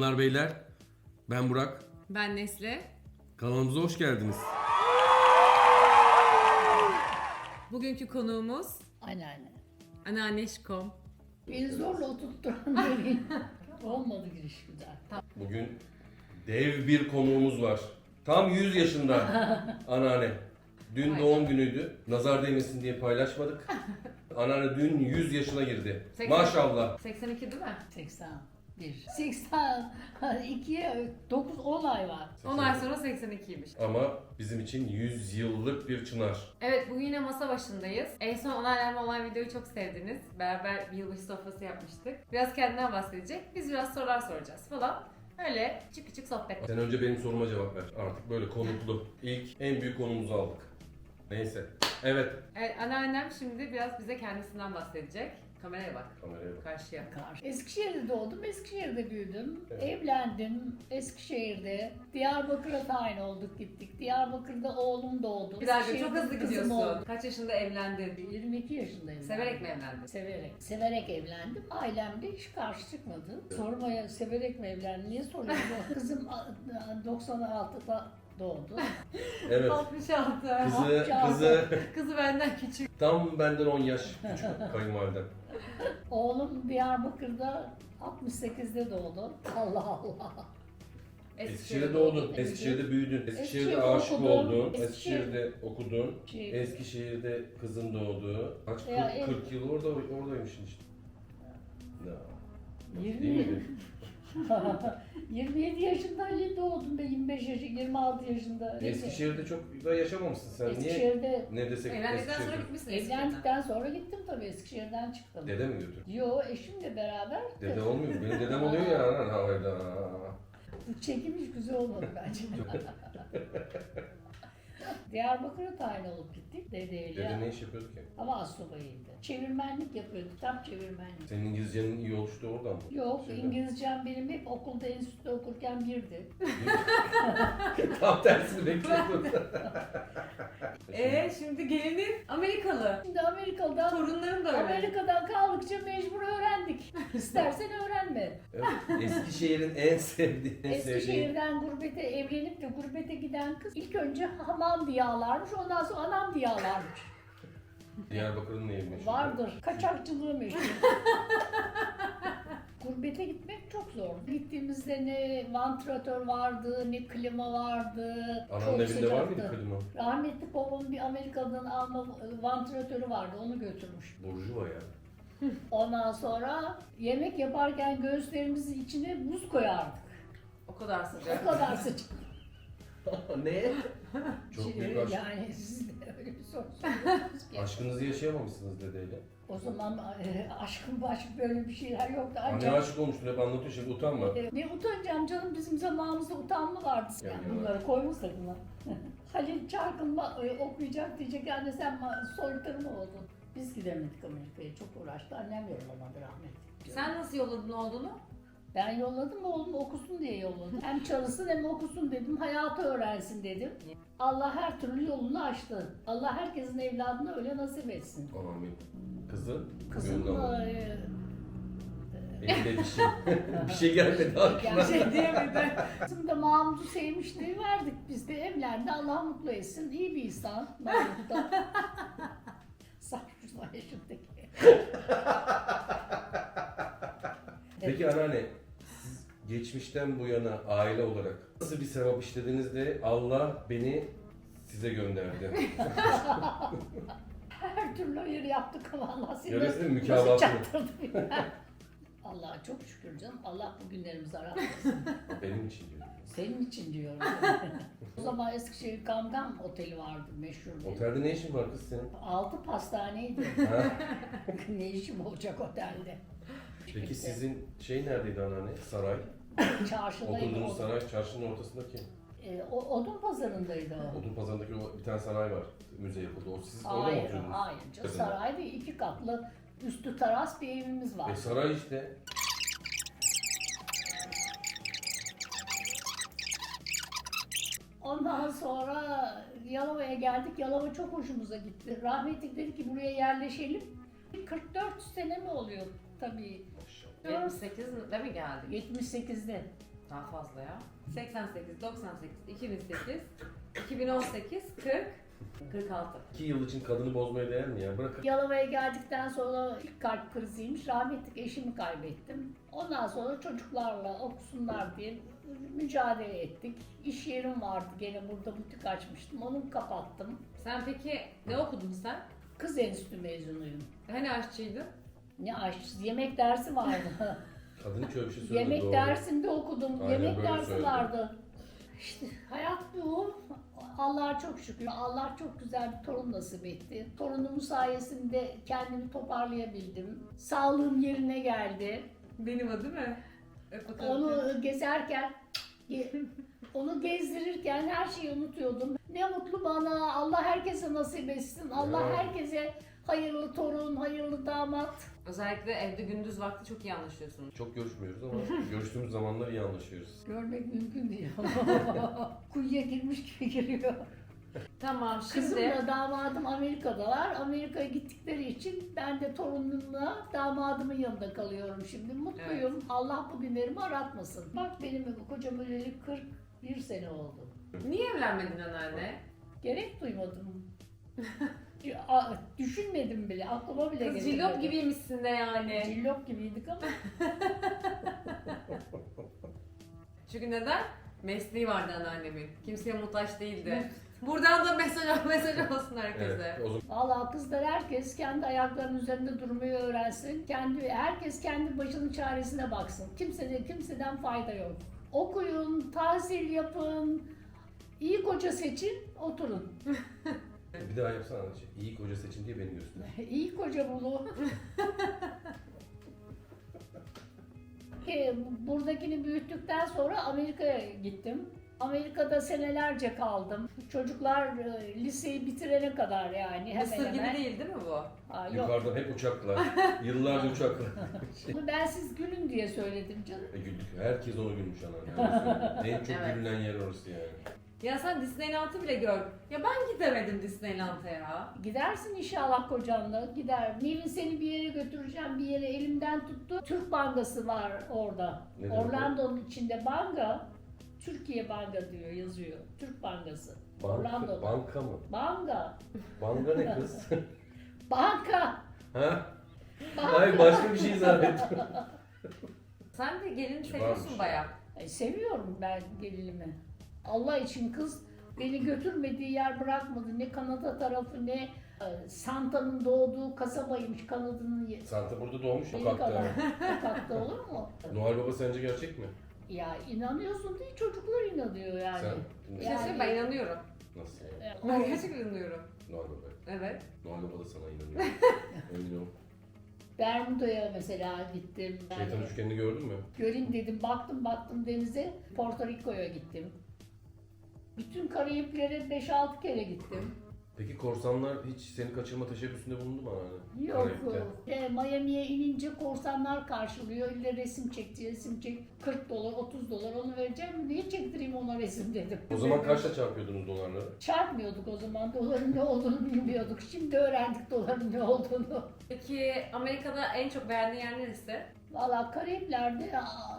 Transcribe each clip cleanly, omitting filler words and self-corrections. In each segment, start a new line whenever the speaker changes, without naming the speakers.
Hanımlar beyler, ben Burak.
Ben Nesli.
Kanalımıza hoş geldiniz.
Bugünkü konuğumuz
Anneanne.
Anneanneşkom.
Beni zorla oturtturan demeyin. Olmadı giriş güzel.
Bugün dev bir konuğumuz var. Tam 100 yaşında anneanne. Dün
Vay
doğum günüydü. Nazar değmesin diye paylaşmadık. Anneanne dün 100 yaşına girdi.
80.
Maşallah.
82 değil mi?
81. 82'ye 9-10 ay var.
10 ay sonra 82'ymiş.
Ama bizim için 100 yıllık bir çınar.
Evet, bugün yine masa başındayız. En son onaylanma olan videoyu çok sevdiniz. Beraber bir yılbaşı sofrası yapmıştık. Biraz kendinden bahsedecek. Biz biraz sorular soracağız falan. Öyle küçük küçük sohbet.
Sen önce benim soruma cevap ver. Artık böyle konuklu. İlk en büyük konumuzu aldık. Neyse. Evet.
Evet, anneannem şimdi biraz bize kendisinden bahsedecek. Kameraya bak.
Kameraya bak.
Karşıya.
Eskişehir'de doğdum, Eskişehir'de büyüdüm.
Evet.
Evlendim Eskişehir'de. Diyarbakır'a tayin olduk gittik. Diyarbakır'da oğlum doğdu.
Bir dakika, çok
Eskişehir'de
hızlı
kızım
gidiyorsun.
oldu.
Kaç yaşında evlendin?
22 yaşındayım.
Severek mi evlendin?
Severek. Severek evlendim. Ailemde hiç karşı çıkmadı. Sormaya severek mi evlendin? Niye soruyorsun? Kızım 96'da doğdu.
Evet.
66. Kızı benden küçük.
Tam benden 10 yaş küçük kayınvalidem.
Oğlum Diyarbakır'da 68'de doğdu. Allah Allah.
Eskişehir'de doğdun, Eskişehir'de büyüdün, Eskişehir'de
Eskişehir'de
aşık
okudum.
oldun,
Eskişehir-
Eskişehir'de okudun,
Şey-
Eskişehir'de kızın doğdu. Kaç?
Ya,
40 yıl oradaymışsın işte. Ya.
20
Değil miydi?
27 yaşında Ali doğdum ben 25 yaş 26 yaşında.
Eskişehir'de çok da yaşamamışsın sen. Niye?
Eskişehir'de
Ne desek
Evlendikten sonra
Eskişehir'de.
gitmişsin Eskişehir'den.
evlendikten sonra gittim tabii Eskişehir'den çıktım.
Dede mi götürdü?
Yo eşimle beraber.
Dede olmuyor mu? Benim dedem oluyor ya. Hayda.
Bu çekim hiç güzel olmadı bence. Diyarbakır'a tayin olup gittik dedeyle.
Dede ne iş yapıyordu ki?
Ama astsubayıydı. Çevirmenlik yapıyordu, kitap çevirmenlik.
Senin İngilizcenin iyi oluştu oradan mı?
Yok,
Şeyden.
İngilizcem benim hep okulda, enstitüde okurken birdi.
Tam tersini bekliyordum.
Şimdi gelinin Amerikalı.
Şimdi Amerika'dan
Torunların da öyle.
Amerika'dan kaldıkça mecbur öğrendik. İstersen öğrenme.
Evet, Eskişehir'in en sevdiği,
Eskişehir'den gurbete evlenip de gurbete giden kız ilk önce hamam diye ağlarmış, ondan sonra anam diye ağlarmış.
Diyarbakır'ın neyi meşhur?
Vardır. Kaçakçılığı meşhur. Gurbete gitmek çok zor. Gittiğimizde ne vantilatör vardı, ne klima vardı.
Ananın
Çok
evinde var mıydı
sıcaktı.
klima?
Rahmetli babamın bir Amerika'dan alma vantilatörü vardı, onu götürmüş.
Burjuva ya.
Ondan sonra yemek yaparken göğüslerimizin içine buz koyardık.
O kadar sıcak.
O kadar sıcak.
Ne? Çok büyük aşk.
Yani siz de öyle bir soru soruyorsunuz ki.
Aşkınızı yaşayamamışsınız dedeyle.
O zaman aşkın başka böyle bir şeyler yoktu.
Anne
Ancak
aşık olmuştun hep anlatıyor şimdi utanma.
ne utanacağım canım, bizim zamanımızda utanma vardı.
Ya,
Yani
ya.
bunları koymuşlar bunlar. Halil Çarkın okuyacak diyecek, anne sen soykırım mı oldun? Biz gidemedik Amerika'ya, çok uğraştı. Annem yollamadı rahmetli.
Sen nasıl yolladın oğlunu?
Ben yolladım, oğlum okusun diye yolladım. Hem çalışsın hem okusun dedim, hayatı öğrensin dedim. Allah her türlü yolunu açtı. Allah herkesin evladını öyle nasip etsin.
Amin. Kızı?
Kızım
gönlü
da
alın. Elinde bir şey. Bir şey gelmedi aklına.
Şey diyemedi.
kızım da Mahmut'u sevmişti, verdik biz de, evlendi. Allah mutlu etsin. İyi bir insan Mahmut da. Sarhoşlar yaşındaki.
Peki anneanne, siz geçmişten bu yana aile olarak nasıl bir sevap işlediniz de Allah beni size gönderdi?
Her türlü hayır yaptık ama Allah seni
Görüyorsun değil mi?
nasıl
Mükafatını.
çaktırdı bilmem. Allah'a çok şükür canım. Allah bu günlerimizi aratmasın.
Benim için diyorum.
Senin için diyorum. O zaman Eskişehir Gamgam Oteli vardı, meşhur bir.
Otelde ne işin var kız senin?
6 pastaneydi.
Ha?
Ne işim olacak otelde?
Peki sizin şey neredeydi anneanne? Saray.
Çarşıdaydı.
Oturduğunuz saray çarşının ortasındaki.
Odun pazarındaydı o.
Odun pazarındaki o bir tane sanayi var. Müze yapıldı. O siz orada mı
Hayır,
oturuyordunuz?
hayır.
Kadınlar.
Sarayda 2 katlı üstü teras bir evimiz var.
Saray işte.
Ondan sonra Yalova'ya geldik. Yalova çok hoşumuza gitti. Rahmetli dedi ki buraya yerleşelim. 44 sene mi oluyor tabii.
Maşallah.
78'de mi geldik?
78'de.
Daha fazla ya. 88, 98, 2008, 2018, 40, 46.
2 yıl için kadını bozmaya değer mi ya? Bırakın.
Yalova'ya geldikten sonra ilk kalp kriziymiş. Rahmetli eşimi kaybettim. Ondan sonra çocuklarla okusunlar diye mücadele ettik. İş yerim vardı, gene burada butik açmıştım. Onu kapattım.
Sen peki ne okudun sen?
Kız enstitü mezunuyum.
Hani aşçıydın?
Ne aşçısı, yemek dersi vardı.
Kadın hiç öyle bir şey söylemedi.
Yemek
doğru.
dersinde okudum.
Aynen
Yemek
böyle
dersi
söyledi.
vardı. İşte hayat bu. Allah'a çok şükür. Allah çok güzel bir torun nasip etti. Torunumun sayesinde kendimi toparlayabildim. Sağlığım yerine geldi.
Benim o değil mi? Öp bakalım.
Onu gezerken, onu gezdirirken her şeyi unutuyordum. Ne mutlu bana. Allah herkese nasip etsin. Allah
Evet.
herkese hayırlı torun, hayırlı damat.
Özellikle evde gündüz vakti çok iyi anlaşıyorsunuz.
Çok görüşmüyoruz ama görüştüğümüz zamanlar iyi anlaşıyoruz.
Görmek mümkün değil. Kuyuya girmiş gibi giriyor.
Tamam şimdi
Kızımla damadım Amerika'dalar. Amerika'ya gittikleri için ben de torunumla damadımın yanında kalıyorum şimdi. Mutluyum.
Evet.
Allah bugünlerimi aratmasın. Bak benim kocam öleli 41 sene oldu.
niye evlenmedin anneanne?
Gerek duymadım. Düşünmedim bile. Aklıma bile
Kız
getirmedim.
cillop gibiymişsin de yani.
Cillop gibiydik ama.
Çünkü neden? Mesleği vardı anneannemin. Kimseye muhtaç değildi. Buradan da mesaj olsun herkese.
Evet, o zaman
Valla kızlar herkes kendi ayaklarının üzerinde durmayı öğrensin. Herkes kendi başının çaresine baksın. Kimseden fayda yok. Okuyun, tahsil yapın, iyi koca seçin, oturun.
bir daha yapsana. İyi koca seçin diye beni göster.
İyi koca bulun. Buradakini büyüttükten sonra Amerika'ya gittim. Amerika'da senelerce kaldım. Çocuklar liseyi bitirene kadar yani hemen
Mısır gibi
hemen.
değil mi bu?
Yok.
Yukarıdan hep uçakla. Yıllarca uçakla.
Bunu ben siz gülün diye söyledim canım.
Güldük. Herkes onu gülmüş anneanne. En çok
Evet.
gülünen yer orası yani.
Ya sen Disneyland'ı bile gör. Ya ben gidemedim Disneyland'a ya.
Gidersin inşallah kocanla. Gider. Nevin seni bir yere götüreceğim, bir yere elimden tuttu. Türk Bankası var orada.
Ne demek o?
Orlando'nun içinde banka. Türkiye Banka diyor, yazıyor. Türk Bankası. Orlando'da.
Banka mı?
Banka.
Banka ne kız?
Banka.
ha?
Banka.
Hayır başka bir şey zannettim.
Sen de gelini
Kibarmış
seviyorsun
ya.
bayağı.
Seviyorum ben gelinimi. Allah için kız beni götürmediği yer bırakmadı. Ne Kanada tarafı ne Santa'nın doğduğu kasabaymış Kanada'nın
Santa burada doğmuş
yeri
sokakta.
kadar. Sokakta olur mu?
Noel Baba sence gerçek mi?
Ya inanıyorsun değil, çocuklar inanıyor yani.
Sen
Bir şey söyleyeyim, ben inanıyorum.
nasıl yani?
Ben gerçekten inanıyorum.
Noel Baba.
Evet.
Noel Baba da sana inanıyor. Emin ol.
Bermuda'ya mesela gittim.
Şeytan
Yani
üçgenini gördün mü?
göreyim dedim, baktım denize. Porto Rico'ya gittim. Bütün Karayipler'e 5-6 kere gittim.
Peki korsanlar hiç seni kaçırma teşebbüsünde bulundu mu anneanne?
Yok.
Karayip'te.
Miami'ye inince korsanlar karşılıyor. İlle resim çek. 40 dolar, 30 dolar onu vereceğim. Niye çektireyim ona resim dedim.
O zaman kaçta çarpıyordunuz dolarları?
Çarpmıyorduk o zaman. Doların ne olduğunu bilmiyorduk. Şimdi öğrendik doların ne olduğunu.
Peki Amerika'da en çok beğendiğin yer neresi?
Valla Karayipler'de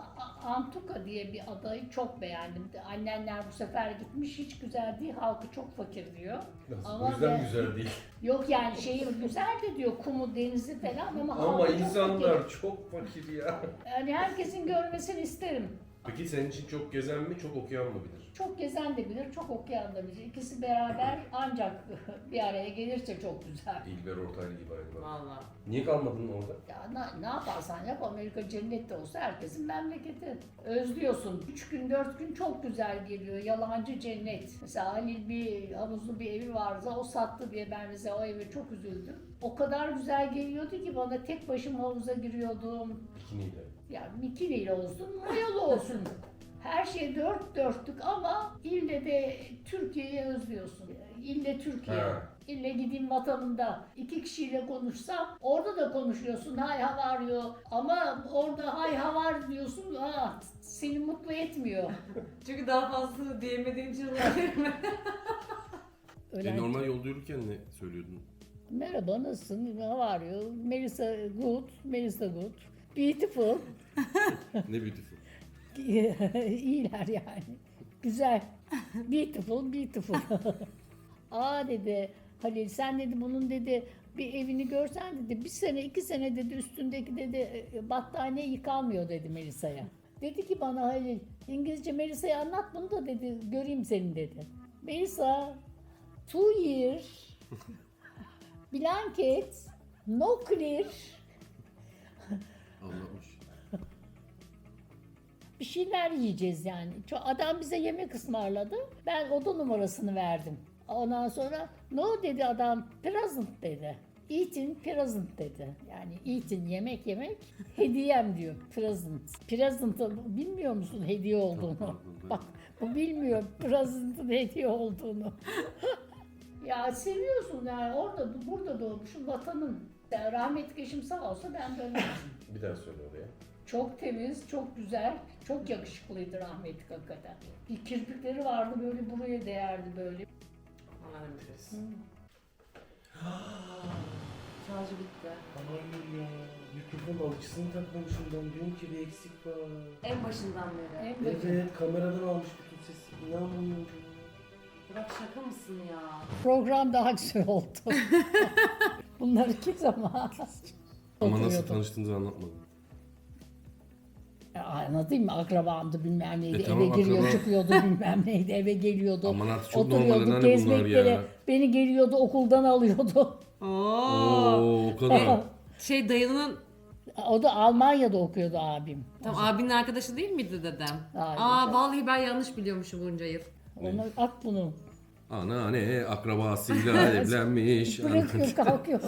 Antuka diye bir adayı çok beğendim. Annenler bu sefer gitmiş, hiç güzel değil, halkı çok fakir diyor.
Nasıl?
Ama
O yüzden
ben-
güzel değil.
Yok yani şehir güzel de diyor, kumu, denizi falan ama
Ama
halkı çok
insanlar
fakir.
çok fakir ya.
Yani herkesin görmesini isterim.
Peki senin için çok gezen mi, çok okuyan mı bilir?
Çok gezen de bilir, çok okuyan da bilir. İkisi beraber ancak bir araya gelirse çok güzel.
İlber Ortaylı gibi aynı bak.
Valla.
Niye kalmadın orada?
Ya ne yaparsan yap, Amerika cennette olsa herkesin memleketi. Özlüyorsun. 3 gün 4 gün çok güzel geliyor. Yalancı cennet. Mesela Halil bir havuzlu bir evi vardı. O sattı diye ben mesela o eve çok üzüldüm. O kadar güzel geliyordu ki bana, tek başıma havuza giriyordum.
Bikiniyle.
Yani bikiniyle olsun, mayalı olsun. Her şey dört dörtlük ama ille de Türkiye'yi özlüyorsun. İlle Türkiye.
Ha.
İlle gideyim vatanında. 2 kişiyle konuşsam orada da konuşuyorsun. Hay havar diyor. Ama orada hay havar diyorsun. Seni mutlu etmiyor.
Çünkü daha fazla diyemediğim için olabilir mi?
Normal yolda yürürken ne söylüyordun?
Merhaba, nasılsın? How are you? Melissa good. Melissa good. Beautiful.
Ne beautiful.
İyiler yani. Güzel. Beautiful, beautiful. Aa dedi Halil, sen dedi bunun dedi bir evini görsen dedi 1 sene 2 sene dedi üstündeki dedi battaniye yıkanmıyor dedi Melisa'ya. Dedi ki bana Halil, İngilizce Melisa'ya anlat bunu da dedi göreyim seni dedi. Melisa 2 years blanket no clear
Anlatmış.
bir şeyler yiyeceğiz yani. Adam bize yemek ısmarladı. Ben oda numarasını verdim. Ondan sonra no dedi adam, present dedi. Eating present dedi. Yani eating yemek hediyem diyor present. Present'ı bilmiyor musun hediye olduğunu? Bak bu bilmiyor present'ın hediye olduğunu. Ya seviyorsun yani orada burada doğmuşum vatanın. Yani rahmetli eşim sağ olsa ben dönmezdim.
Bir daha söyle oraya.
Çok temiz, çok güzel, çok yakışıklıydı rahmetli hakikaten. Bir kirpikleri vardı böyle buraya değerdi böyle.
Anladım diyorsun. Şarjı bitti.
Hayır ya. Mikrofon alıcısını takmamışım ben. Diyorum ki bir eksik var.
En başından beri.
En başında.
Evet, kameradan almış bütün sesi. İnanmıyorum.
Bırak şaka mısın ya?
Program daha güzel oldu. Bunları kim zaman
Ama nasıl
oturuyordum.
tanıştığınızı anlatmadın.
Anladın mı? Akrabamdı bilmem neydi.
Tamam,
eve giriyor
akraba.
çıkıyordu bilmem neydi. Eve geliyordu.
Aman artık çok normal
oturuyordu
anneanne bunlar
gezmeklere.
ya.
Beni geliyordu okuldan alıyordu.
Oo, o kadar.
Şey dayının
O da Almanya'da okuyordu abim.
tam abinin arkadaşı değil miydi dedem?
Hayır.
Vallahi ben yanlış biliyormuşum bunca yıl.
Onu at bunu.
Anneanne akrabasıyla evlenmiş.
Bırakıyor kalkıyor.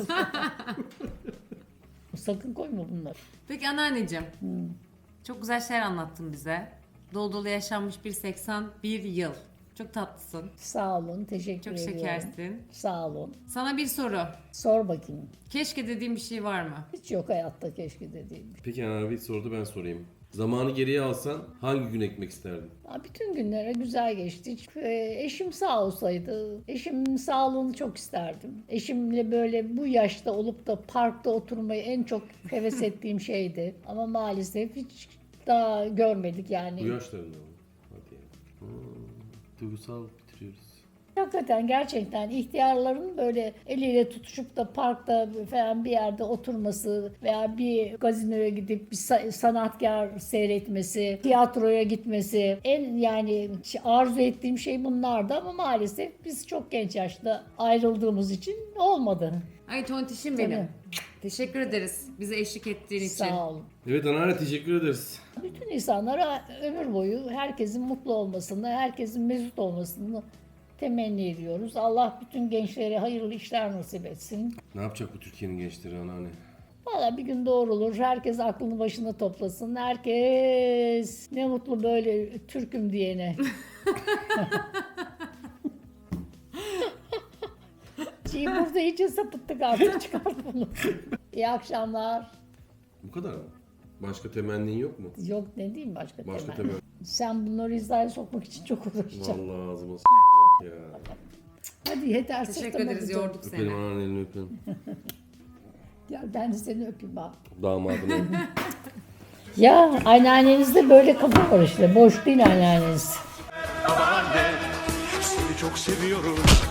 Sakın koyma bunları.
Peki anneanneciğim. Çok güzel şeyler anlattın bize. Dolu dolu yaşanmış bir 81 yıl. Çok tatlısın.
Sağ olun. Teşekkür
Çok
ediyorum.
şekersin.
Sağ olun.
Sana bir soru.
Sor bakayım.
Keşke dediğim bir şey var mı?
Hiç yok hayatta keşke dediğim.
Peki abi sordu ben sorayım. Zamanı geriye alsan hangi gün ekmek isterdin?
Ya bütün günlere güzel geçti. Eşim sağ olsaydı, eşimin sağlığını çok isterdim. Eşimle böyle bu yaşta olup da parkta oturmayı en çok heves ettiğim şeydi. Ama maalesef hiç daha görmedik
Bu
yani.
yaşlarında mı? Hadi ya. Duygusal bitiriyoruz.
Hakikaten gerçekten ihtiyarların böyle eliyle tutuşup da parkta falan bir yerde oturması veya bir gazinoya gidip bir sanatkar seyretmesi, tiyatroya gitmesi en yani arzu ettiğim şey bunlardı ama maalesef biz çok genç yaşta ayrıldığımız için olmadı.
Ay tontişim benim.
Tabii.
Teşekkür ederiz bize eşlik ettiğin için.
Sağ olun.
Evet anneanne teşekkür ederiz.
Bütün insanlara ömür boyu herkesin mutlu olmasını, herkesin mesut olmasını temenni ediyoruz. Allah bütün gençlere hayırlı işler nasip etsin.
Ne yapacak bu Türkiye'nin gençleri anneanne?
Valla bir gün doğrulur. Herkes aklını başına toplasın. Herkes ne mutlu böyle Türk'üm diyene. Burada iyice sapıttık artık çıkart bunu. İyi akşamlar.
Bu kadar mı? Başka temennin yok mu?
Yok ne diyeyim başka
Başka
temel.
temenni.
Sen bunları hizaya sokmak için çok uğraşacaksın.
Vallahi ağzıma ya.
Hadi yeter
Teşekkür
sırtıma
ederiz
gideceğim.
yorduk
Öpelim
seni.
anneannenin elini öpelim.
Gel ben de seni öpeyim bak.
Damadını.
Ya anneannenizde böyle kafa var işte. Boş değil anneanneniz.
Babaanne seni çok seviyoruz.